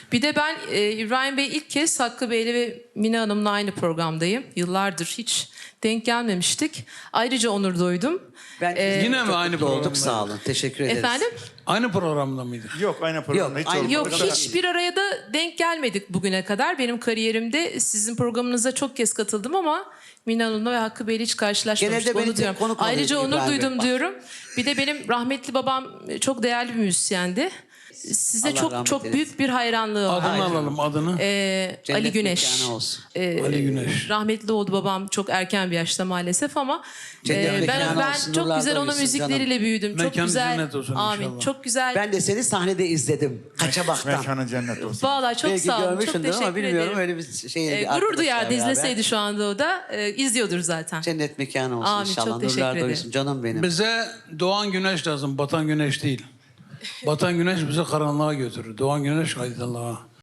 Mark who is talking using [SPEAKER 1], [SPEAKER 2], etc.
[SPEAKER 1] Bir de ben İbrahim Bey ilk kez Hakkı Bey'le ve Mine Hanım'la aynı programdayım. Yıllardır hiç denk gelmemiştik. Ayrıca onur duydum.
[SPEAKER 2] Yine mi aynı
[SPEAKER 3] mutlu olduk,
[SPEAKER 2] programda?
[SPEAKER 3] sağ olun. Teşekkür ederiz.
[SPEAKER 1] Efendim?
[SPEAKER 2] Aynı programda mıydı?
[SPEAKER 4] Yok aynı programda hiç
[SPEAKER 3] aynı
[SPEAKER 4] olmadı.
[SPEAKER 1] Yok
[SPEAKER 3] Programda
[SPEAKER 1] hiçbir araya da denk gelmedik bugüne kadar. Benim kariyerimde sizin programınıza çok kez katıldım ama Mine Hanım'la ve Hakkı Bey'le hiç karşılaşmamıştık.
[SPEAKER 3] Genelde beni
[SPEAKER 1] Onu diyorum.
[SPEAKER 3] konuk alıyor
[SPEAKER 1] Ayrıca onur
[SPEAKER 3] İbrahim Bey.
[SPEAKER 1] duydum diyorum. Bir de benim rahmetli babam çok değerli bir müzisyendi. Size
[SPEAKER 3] Allah
[SPEAKER 1] çok
[SPEAKER 3] rahmet
[SPEAKER 1] çok
[SPEAKER 3] eylesin.
[SPEAKER 1] büyük bir hayranlığı var.
[SPEAKER 2] Adını alalım, adını.
[SPEAKER 1] Ali
[SPEAKER 3] Cennet
[SPEAKER 1] Güneş.
[SPEAKER 3] mekanı olsun.
[SPEAKER 2] Ali Güneş.
[SPEAKER 1] Rahmetli oldu babam çok erken bir yaşta maalesef ama
[SPEAKER 3] Cennet mekanı
[SPEAKER 1] ben
[SPEAKER 3] olsun,
[SPEAKER 1] çok
[SPEAKER 3] nurlarda
[SPEAKER 1] güzel onun
[SPEAKER 3] uyusun
[SPEAKER 1] müzikleriyle büyüdüm. Çok
[SPEAKER 2] Mekanı
[SPEAKER 1] güzel.
[SPEAKER 2] cennet olsun
[SPEAKER 1] Amin.
[SPEAKER 2] inşallah.
[SPEAKER 1] Çok güzel.
[SPEAKER 3] Ben de seni sahnede izledim. Kaçamaktan.
[SPEAKER 4] Mekanı cennet olsun.
[SPEAKER 1] Vallahi çok
[SPEAKER 3] Belki
[SPEAKER 1] sağ olun. Çok
[SPEAKER 3] görmüşsündür
[SPEAKER 1] teşekkür
[SPEAKER 3] ama bilmiyorum
[SPEAKER 1] ederim.
[SPEAKER 3] öyle bir şey.
[SPEAKER 1] Gurur duyardı izleseydi şu anda o da. İzliyordur zaten.
[SPEAKER 3] Cennet mekanı olsun
[SPEAKER 1] Amin,
[SPEAKER 3] inşallah.
[SPEAKER 1] çok teşekkür
[SPEAKER 3] Nurlarda
[SPEAKER 1] ederim.
[SPEAKER 3] uyusun canım benim.
[SPEAKER 2] Bize doğan güneş lazım, batan güneş değil. Batan güneş bizi karanlığa götürür. Doğan güneş aydınlığa.